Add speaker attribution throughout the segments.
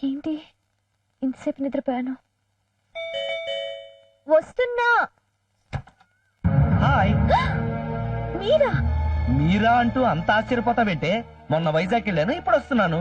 Speaker 1: ఏంటి ఇంతసేపు నిద్రపోయాను. వస్తున్నా.
Speaker 2: హాయ్.
Speaker 1: మీరా?
Speaker 2: మీరా అంటూ అంత ఆశ్చర్యపోతావేంటే? మొన్న వైజాగ్ వెళ్ళాను, ఇప్పుడు వస్తున్నాను.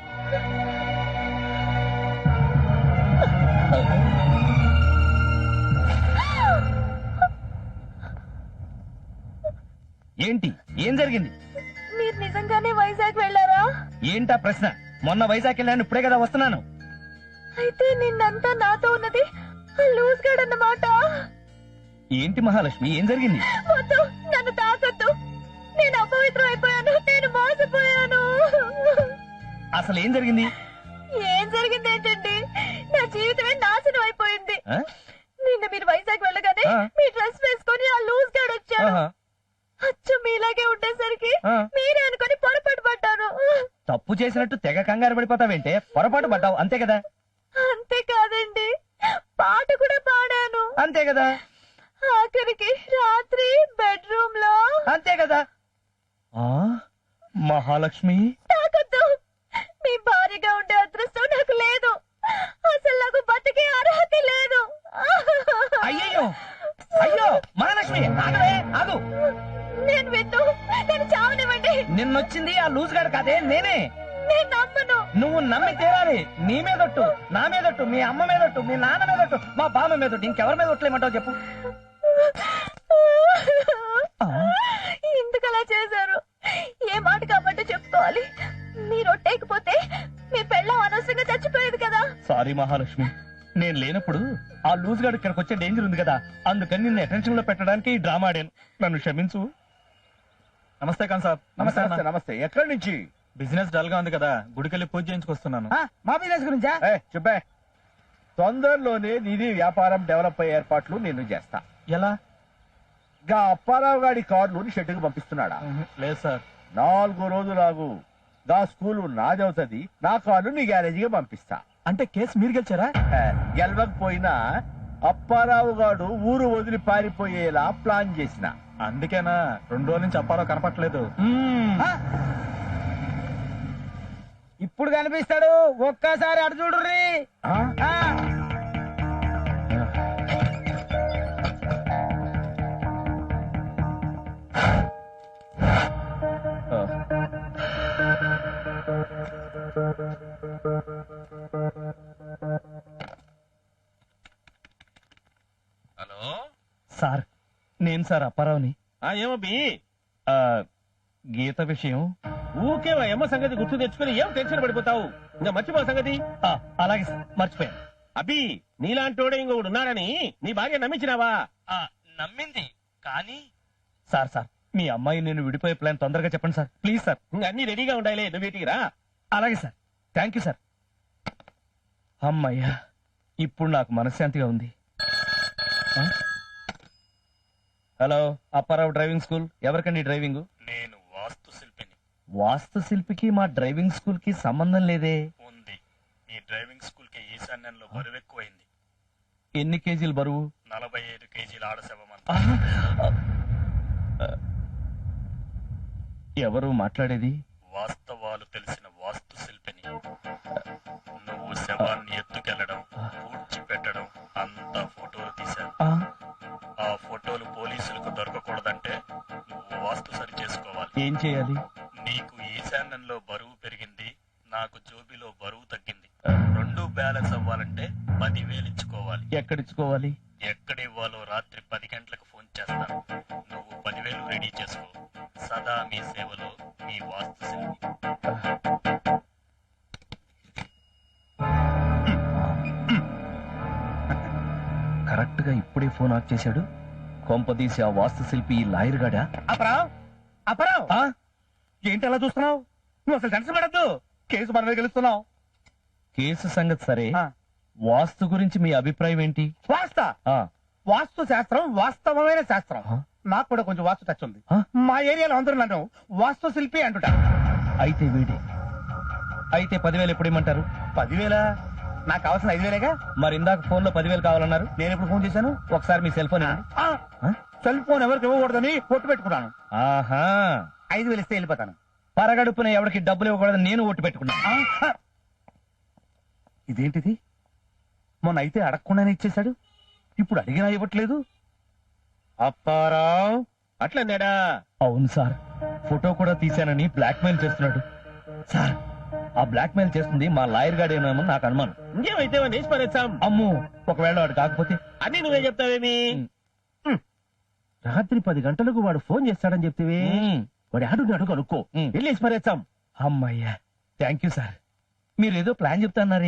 Speaker 2: ఏంటి, ఏం జరిగింది?
Speaker 1: మీరు నిజంగానే వైజాగ్ వెళ్ళారా?
Speaker 2: ఏంటా ప్రశ్న? మొన్న వైజాగ్ వెళ్ళాను, ఇప్పుడే కదా వస్తున్నాను.
Speaker 1: అయితే నిన్నంతా నాతో ఉన్నది లూజ్ గార్డ్ అన్నమాట.
Speaker 2: ఏంటి మహాలక్ష్మి, ఏం జరిగింది?
Speaker 1: వద్దు, నన్ను తాకొద్దు. నేను అపవిత్రం అయిపోయాను. నేను మోసపోయాను.
Speaker 2: అసలు ఏం జరిగింది?
Speaker 1: ఏం జరిగింది ఏంటండి? నా జీవితమే నాశనం అయిపోయింది.
Speaker 2: ఆ?
Speaker 1: నిన్న మీరు వైజాగ్ వెళ్ళగానే
Speaker 2: ఆ.
Speaker 1: మీ డ్రెస్ వేసుకొని ఆ లూజ్ గార్డ్ వచ్చాడు.
Speaker 2: ఆహా.
Speaker 1: అచ్చు మీలాగే ఉండేసరికి
Speaker 2: ఆ.
Speaker 1: మీరే అనుకొని పొరపాటు పడ్డాను.
Speaker 2: తప్పు చేసినట్టు తెగ కంగారు పడిపోతావేంటే? పొరపాటు పడ్డావు అంతే కదా?
Speaker 1: అంతేకాదండి, పాట కూడా పాడాను.
Speaker 2: అంతే కదా?
Speaker 1: ఆఖరికి రాత్రి బెడ్రూమ్ లో.
Speaker 2: అంతే కదా? ఆ మహాలక్ష్మి,
Speaker 1: తాకొద్దు. మీ భార్యగా ఉండే అదృష్టం నాకు లేదు. అసలు నాకు బతికే అర్హత లేదు.
Speaker 2: అయ్యయ్యో, అయ్యో మహాలక్ష్మి, ఆగవే, ఆగు.
Speaker 1: నేను విన్ను, నేను చావనివ్వండి.
Speaker 2: నిన్నొచ్చింది ఆ లూజ్ గాడు కాదే, నేనే.
Speaker 1: నేను నమ్మను.
Speaker 2: నువ్వు నమ్మి తీరాలి. నీ మీదొట్టు, నా మీదొట్టు, మీ అమ్మ మీదొట్టు, మీ నాన్న మీదొట్టు, మా బామ్మ మీదొట్టు, ఇంకెవరి మీద ఒట్లేమంటావు చెప్పు. ఆ.
Speaker 1: ఎందుకు అలా చేశారు? ఏ మాట కాబట్టి చెప్పుకోవాలి. మీరు ఒట్టేకపోతే మీ పెళ్ళం అనవసరంగా చచ్చిపోయేది కదా.
Speaker 2: సారీ మహాలక్ష్మి, నేను లేనప్పుడు ఆ లూజ్ గాడు ఇక్కడికి వచ్చే డేంజర్ ఉంది కదా, అందుకని నిన్ను అటెన్షన్ లో పెట్టడానికి ఈ డ్రామా ఆడాను. నన్ను క్షమించు. నమస్తే ఖాన్ సాబ్.
Speaker 3: నమస్తే నమస్తే నమస్తే. ఎక్కడి నుంచి?
Speaker 2: బిజినెస్ డల్ గా ఉంది కదా, గుడికెళ్ళి పూజ చేయించుకొస్తున్నాను.
Speaker 3: మా బిజినెస్ గురించా? చెప్పే. తొందరలోనే నిధి వ్యాపారం డెవలప్ అయ్యే ఏర్పాట్లు నేను చేస్తా.
Speaker 2: ఎలా?
Speaker 3: గా అప్పారావు గాడి కార్లు షెడ్డుకు పంపిస్తున్నాడా?
Speaker 2: లేదు సార్.
Speaker 3: 4 రోజులాగు గా స్కూలు నాదవుతుంది, నా కార్లు నీ గ్యారేజీగా పంపిస్తా.
Speaker 2: అంటే కేసు మీరు గెలిచారా?
Speaker 3: గెలవకపోయినా అప్పారావు గాడు ఊరు వదిలి పారిపోయేలా ప్లాన్ చేసిన.
Speaker 2: అందుకేనా 2 రోజుల నుంచి అప్పారావు కనపట్లేదు.
Speaker 4: ఇప్పుడు కనిపిస్తాడు, ఒక్కసారి అటు చూడుర్రి.
Speaker 5: హలో
Speaker 2: సార్, నేను సార్ అప్పారావుని.
Speaker 5: ఏమబ్బి?
Speaker 2: గీత విషయం.
Speaker 5: ఊకే అమ్మ సంగతి గుర్తు తెచ్చుకుని ఏం టెన్షన్ పడిపోతావు? ఇంకా మర్చిపో సంగతి.
Speaker 2: అలాగే సార్, మర్చిపోయాను.
Speaker 5: అబ్బి, నీలాంటోడే ఇంకొకడు ఉన్నాడని నీ భార్య నమ్మించినావా?
Speaker 2: నమ్మింది కానీ. సార్ సార్, మీ అమ్మాయి నేను విడిపోయే ప్లాన్ తొందరగా చెప్పండి సార్, ప్లీజ్ సార్.
Speaker 5: ఇంకా అన్ని రెడీగా ఉండాలి, నువ్వు వీటికి రా.
Speaker 2: అలాగే సార్, థ్యాంక్ యూ సార్. అమ్మయ్యా, ఇప్పుడు నాకు మనశ్శాంతిగా ఉంది. Hello, Apparao driving school. ఎవరికండి డ్రైవింగ్?
Speaker 6: నేను వాస్తు శిల్పిని.
Speaker 2: వాస్తు శిల్పికి మా డ్రైవింగ్ స్కూల్ కి సంబంధం లేదే.
Speaker 6: ఉంది. మీ డ్రైవింగ్ స్కూల్ కి ఈశాన్యంలో బరువు ఎక్కువైంది.
Speaker 2: ఎన్ని కేజీలు బరువు?
Speaker 6: 45 కేజీల ఆడశవమంత.
Speaker 2: ఎవరు మాట్లాడేది?
Speaker 6: వాస్తవాలు తెలిసిన వాస్తు శిల్పిని. నువ్వు శవాన్ని ఎత్తుకెళ్లడం, పూడ్చిపెట్టడం అంతా ఫోటోలు తీశాను. ఆ ఫోటోలు పోలీసులకు దొరకకూడదంటే నువ్వు వాస్తు సరి చేసుకోవాలి.
Speaker 2: ఏం చేయాలి?
Speaker 6: నీకు ఈశాన్యంలో బరువు పెరిగింది, నాకు జోబిలో బరువు తగ్గింది. 2 బ్యాలెన్స్ అవ్వాలంటే 10,000 ఇచ్చుకోవాలి.
Speaker 2: ఎక్కడిచ్చుకోవాలి?
Speaker 6: ఎక్కడివ్వాలో రాత్రి 10 గంటలకు ఫోన్ చేస్తాను. నువ్వు 10,000 రెడీ చేసుకో. సదా మీ సేవలో, మీ వాస్తు శిల్పి.
Speaker 2: కరెక్ట్ గా ఇప్పుడే ఫోన్ ఆఫ్ చేశాడు. కొంపదీసి ఆ వాస్తు శిల్పి లాయర్ గాడా?
Speaker 3: అప్పారావు, అప్పారావు, ఏంటి అలా చూస్తున్నావు? నువ్వు అసలు టెన్షన్ పడద్దు, కేసు మన మీద గెలుస్తున్నావు.
Speaker 2: కేసు సంగతి సరే, వాస్తు గురించి మీ అభిప్రాయం ఏంటి?
Speaker 3: వాస్తు శాస్త్రం వాస్తవమైన శాస్త్రం. నాకు కూడా కొంచెం వాస్తు టచ్ ఉంది. మా ఏరియాలో అందరూ నన్ను వాస్తు శిల్పి అంటుట.
Speaker 2: అయితే వీడి. అయితే 10,000 ఎప్పుడు ఇమ్మంటారు?
Speaker 3: 10,000? నాకు కావాల్సిన 5,000గా.
Speaker 2: మరి ఇందాక ఫోన్ లో 10,000 కావాలన్నారు.
Speaker 3: నేను ఎప్పుడు ఫోన్ చేశాను?
Speaker 2: ఒకసారి మీ సెల్ ఫోన్ ఇవ్వండి.
Speaker 3: సెల్ ఫోన్ ఎవరికి ఇవ్వకూడదని పొట్టు పెట్టుకున్నాను.
Speaker 2: ఆహా,
Speaker 3: 5,000 ఇస్తే వెళ్ళిపోతాను.
Speaker 2: పరగడుపున ఎవరికి డబ్బులు ఇవ్వకూడదని నేను ఒట్టు పెట్టుకున్నాను.
Speaker 3: ఇదేంటిది? మొన్న అయితే అడగకుండానే ఇచ్చేశాడు, ఇప్పుడు అడిగినా ఇవ్వట్లేదు. అప్పారావు,
Speaker 5: అట్లన్నాడా?
Speaker 2: అవును సార్, ఫోటో కూడా తీశానని బ్లాక్మెయిల్ చేస్తున్నాడు. సార్, ఆ బ్లాక్మెయిల్ చేస్తుంది మా లాయర్ గాడేమో నాకు అనుమానం.
Speaker 5: ఇంకేమైతే వేసి పరేస్తాం.
Speaker 2: అమ్ము, ఒకవేళ వాడు కాకపోతే?
Speaker 5: అన్ని నువ్వే చెప్తావేమి?
Speaker 3: రాత్రి 10 గంటలకు వాడు ఫోన్ చేస్తాడని చెప్తివి. వాడు అడుగు అనుకో, వెళ్ళేసి పరేస్తాం.
Speaker 2: అమ్మయ్యా, థ్యాంక్ యూ సార్. మీరేదో ప్లాన్ చెప్తాన్నారే.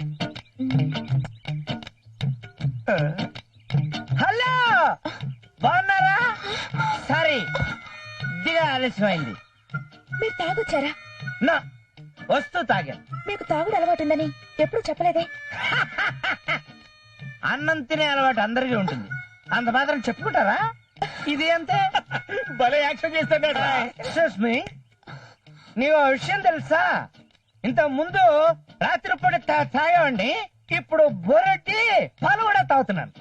Speaker 4: హలో, బాగున్నారా? సారీ, దిగా ఆలస్యమైంది.
Speaker 1: మీరు తాగొచ్చారా?
Speaker 4: నా వస్తూ తాగా.
Speaker 1: మీకు తాగుడు అలవాటుందని ఎప్పుడు చెప్పలేదే.
Speaker 4: అన్నం తినే అలవాటు అందరికీ ఉంటుంది, అంత మాత్రం చెప్పుకుంటారా? ఇది అంతే.
Speaker 5: భలే యాక్షన్ చేస్తాడా?
Speaker 4: ఎక్స్క్యూజ్ మీ, నీవు ఆ విషయం తెలుసా? ఇంత ముందు రాత్రి పూట తాగేవండి, ఇప్పుడు బొరటి పాలు కూడా తాగుతున్నాను.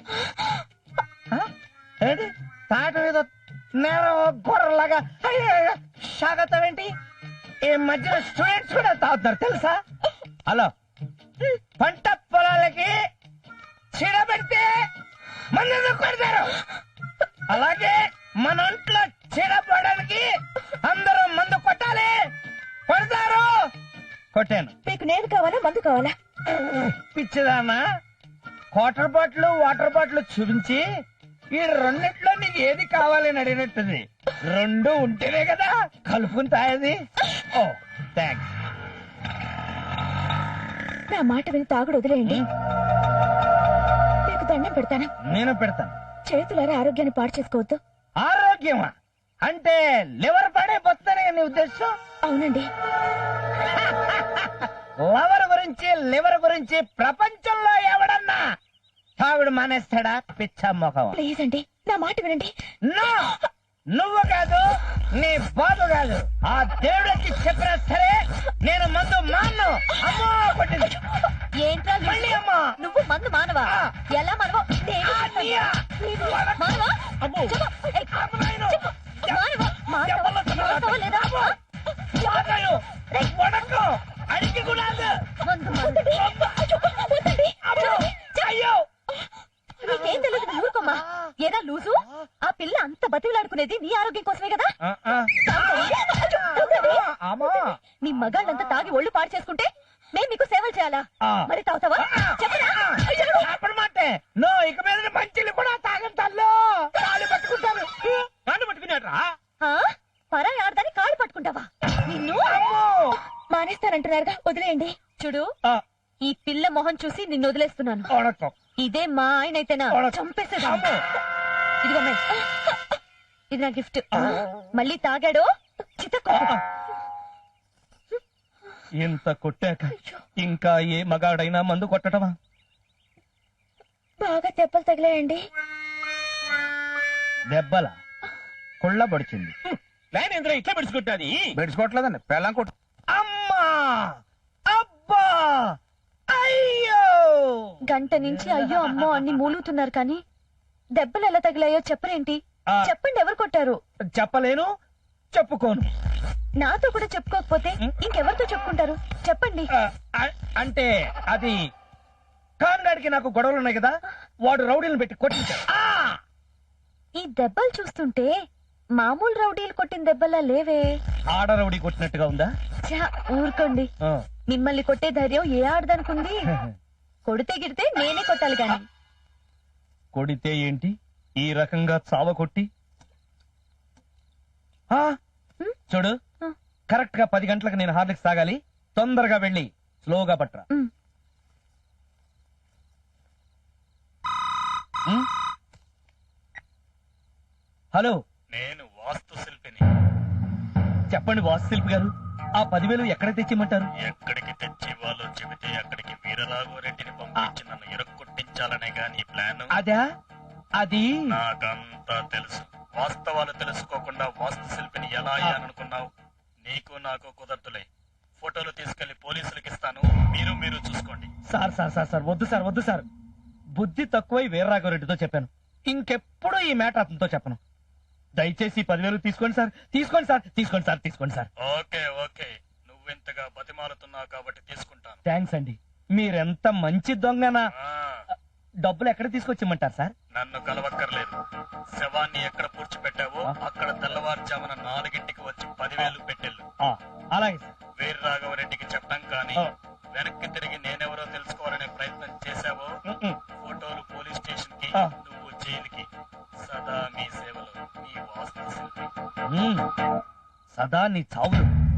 Speaker 4: ఏంటి తాగటం ఏదో నేను గొర్రెలాగా సాగతావేంటి? ఈ మధ్యన స్టూడెంట్స్ కూడా తాగుతున్నారు తెలుసా? హలో, పంట పొలాలకి చీడ పెడితే మందు కొడతారు, అలాగే మన ఒంట్లో చీడ పడడానికి అందరూ మందు కొట్టాలి, కొడతారు. కొట్టాను.
Speaker 1: మీకు నేను కావాలా, మందు కావాలా?
Speaker 4: పిచ్చిదామా, వాటర్ బాటిల్ చూపించి ఈ రెండిట్లో నీకు ఏది కావాలని అడిగినట్టుంది. రెండు ఉంటేనే కదా కలుపుకుని తాగేది. Oh thanks.
Speaker 1: నా మాట విని తాగుడు వదిలేయండి. మీకు దండం పెడతాను.
Speaker 4: నేను పెడతాను.
Speaker 1: చేతులారా ఆరోగ్యాన్ని పాడు చేసుకోవద్దు.
Speaker 4: ఆరోగ్యమా అంటే లివర్ పడైపోతానే నీ ఉద్దేశం?
Speaker 1: అవునండి.
Speaker 4: లివర్ గురించి ప్రపంచంలో ఎవడన్నా తాగుడు మానేస్తాడా? పిచ్చ మొఖం.
Speaker 1: ప్లీజ్ అండి, నా మాట వినండి.
Speaker 4: నో, నువ్వు కాదు, నీ బాబు కాదు, ఆ దేవుడికి చెప్పినా సరే నేను మందు మాను. అమ్మో కొట్టింది.
Speaker 1: ఏంట్రా
Speaker 4: మళ్ళీ అమ్మా.
Speaker 1: నువ్వు మందు మానవా? ఎలా మానవా? నేను
Speaker 4: ఆ, నీయా?
Speaker 1: మానవా?
Speaker 5: అమ్మో.
Speaker 1: చెప్పు. ఏయ్,
Speaker 4: అమ్మ నాయను.
Speaker 1: చెప్పు. మానవా? మానవా?
Speaker 4: ఎవరిలో తిన్నావు?
Speaker 1: మానవా లేదా?
Speaker 4: అమ్మో. వాగాయు. వణకం. అడిగి కూడా
Speaker 1: మందు మానండి. వద్దండి.
Speaker 4: అమ్మో. అయ్యో.
Speaker 1: నీకేం తెలియదు, నువ్వు ఊరుకోమ్మా. ఏదా లూజు? ఆ పిల్ల అంత బతిలాడుకునేది నీ ఆరోగ్యం కోసమే కదా.
Speaker 4: అమ్మా.
Speaker 1: నీ మగాళ్ళంతా తాగి ఒళ్ళు పాడు చేసుకుంటే మేము మీకు సేవలు చేయాలా? మరి తాగుతావా? చెప్పరా?
Speaker 4: అప్పుడు మాటే నో, ఇక మీద మంచిలు కూడా తాగం తల్లు. కాళ్ళు పట్టుకుంటాను.
Speaker 5: కాళ్ళు పట్టుకున్నాడ్రా?
Speaker 1: ఆ? పరాయి ఆడదాన్ని కాళ్ళు పట్టుకుంటావా? నిన్ను మానేస్తానంటున్నారుగా, వదిలేయండి. చూడు, ఈ పిల్ల మొహం చూసి నిన్ను వదిలేస్తున్నాను.
Speaker 4: వణకం.
Speaker 1: ఇదే మా ఆయన అయితేనా చంపేసేదా.
Speaker 4: అమ్మో.
Speaker 1: ఇదిగో అమ్మాయి, ఇది నా గిఫ్ట్. మళ్ళీ తాగాడు చితకో.
Speaker 2: ఇంత కొట్టాక ఇంకా ఏ మగాడైనా మందు కొట్టడమా?
Speaker 1: బాగా దెబ్బలు తగిలాయండి.
Speaker 3: దెబ్బల కుళ్ళ పడిచింది.
Speaker 5: ప్లాన్ ఏంద్రా ఇట్లా పెడుచుకుంటాది?
Speaker 3: బెడ్చుకోవట్లేదండి, పెళ్ళం కొట్టు.
Speaker 4: అమ్మా, అబ్బా, అయ్యో.
Speaker 1: గంట నుంచి అయ్యో అమ్మో అన్ని మూలుగుతున్నారు కానీ దెబ్బలు ఎలా తగిలాయో చెప్పరేంటి? చెప్పండి, ఎవరు కొట్టారు?
Speaker 4: చెప్పలేను, చెప్పుకోను.
Speaker 1: నాతో కూడా చెప్పుకోకపోతే ఇంకెవరితో చెప్పుకుంటారు? చెప్పండి.
Speaker 4: అంటే అది కాన్గాడికి నాకు గొడవలు ఉన్నాయి కదా, వాడు రౌడీలను పెట్టి కొట్టించాడు.
Speaker 1: ఈ దెబ్బలు చూస్తుంటే మామూలు రౌడీలు కొట్టిన దెబ్బలా లేవే.
Speaker 2: ఆడ రౌడీ కొట్టినట్టుగా ఉందా?
Speaker 1: ఛా, ఊరుకోండి. మిమ్మల్ని కొట్టే ధైర్యం ఏ ఆడదనుకుంది? కొడితే గిడితే నేనే కొట్టాలి గాని.
Speaker 2: కొడితే ఏంటి, ఈ రకంగా చావ కొట్టి? చూడు, కరెక్ట్ గా 10 గంటలకు నేను హార్లిక్స్ తాగాలి. తొందరగా వెళ్ళి స్లోగా పట్రా. హలో,
Speaker 6: నేను వాస్తు శిల్పిని.
Speaker 2: చెప్పండి వాస్తుశిల్పి గారు, ఆ 10,000 ఎక్కడ తెచ్చిమంటారు?
Speaker 6: ఎక్కడికి తెచ్చి వాళ్ళు చెబితే అక్కడికి వీరరాఘవరెడ్డిని పంపించి నన్ను ఇరక్కొట్టించాలనే గాని ప్లాన్.
Speaker 4: అదా? అది
Speaker 6: నాకంతా తెలుసు. వాస్తవాలు తెలుసుకోకుండా వాస్తు శిల్పిని ఎలా అయ్యాననుకున్నావు? నీకు నాకు కుదరతులే. ఫోటోలు తీసుకెళ్లి పోలీసులకు ఇస్తాను, మీరు చూసుకోండి.
Speaker 2: సార్ సార్ సార్ సార్ వద్దు సార్, వద్దు సార్. బుద్ధి తక్కువై వీర్రాఘవరెడ్డితో చెప్పాను, ఇంకెప్పుడు ఈ మ్యాటర్ అతనితో చెప్పను. దయచేసి 10,000 తీసుకోండి సార్, తీసుకోండి సార్, తీసుకోండి సార్, తీసుకోండి సార్.
Speaker 6: ఓకే ఓకే, నువ్వెంతగా బతిమాలుతున్నావు కాబట్టి తీసుకుంటాను.
Speaker 2: థ్యాంక్స్ అండి. మీరెంత మంచి దొంగనా.
Speaker 6: ఆ,
Speaker 2: డబ్బులు ఎక్కడ తీసుకొచ్చిమ్మంటారు సార్?
Speaker 6: నన్ను కలవక్కర్లేదు. శవాన్ని ఎక్కడ పూడ్చిపెట్టావో అక్కడ తెల్లవారుజామున 4 వచ్చి 10,000 పెట్టెళ్ళు.
Speaker 2: అలాగే సార్.
Speaker 6: వీర రాఘవరెడ్డికి చెప్పడం కానీ
Speaker 2: ఆ.
Speaker 6: వెనక్కి తిరిగి నేనెవరో తెలుసుకోవాలనే ప్రయత్నం చేశావో ఫోటోలు పోలీస్ స్టేషన్ కి,
Speaker 2: ఆ.
Speaker 6: నువ్వు జైలుకి. సదా మీ సేవలో, మీ వాస్తు శిల్పి.
Speaker 2: సదా నీ చావులు